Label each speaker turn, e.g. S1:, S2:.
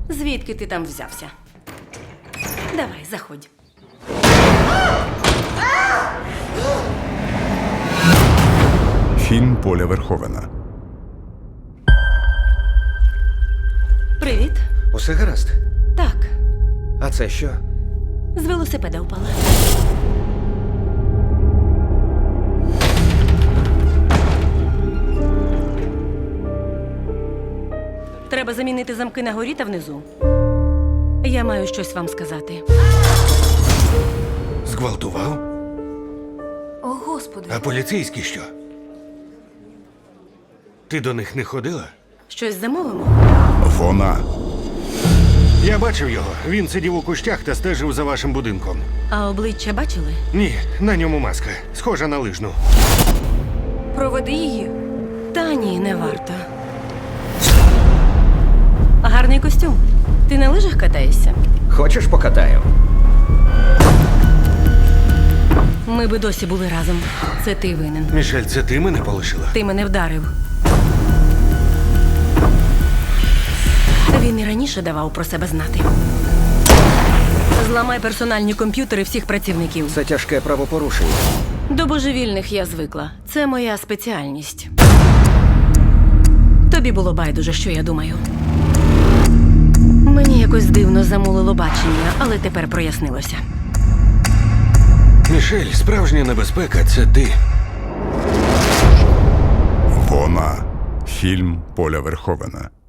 S1: Звідки ти там взявся? Давай, заходь.
S2: Фільм Поля Верховена.
S1: Привіт.
S3: Усе гаразд?
S1: Так,
S3: А це що?
S1: з велосипеда впала. Треба замінити замки на горі та внизу. Я маю щось вам сказати.
S3: Зґвалтував?
S1: О, Господи.
S3: А поліцейські що? Ти до них не ходила?
S1: Щось замовимо?
S2: Вона.
S3: Я бачив його. Він сидів у кущах та стежив за вашим будинком.
S1: А обличчя бачили?
S3: Ні, на ньому маска. Схожа на лижну.
S1: Проведи її. Та ні, не варто. Гарний костюм. Ти на лижах катаєшся?
S3: Хочеш покатаю?
S1: Ми би досі були разом. Це ти винен.
S3: Мішель, це ти мене полишила?
S1: Ти мене вдарив. Він і раніше давав про себе знати. Зламай персональні комп'ютери всіх працівників.
S3: Це тяжке правопорушення.
S1: До божевільних я звикла. Це моя спеціальність. Тобі було байдуже, що я думаю. Мені якось дивно замулило бачення, але тепер прояснилося.
S3: Мішель, справжня небезпека – це ти.
S2: Вона. Фільм Поля Верховена.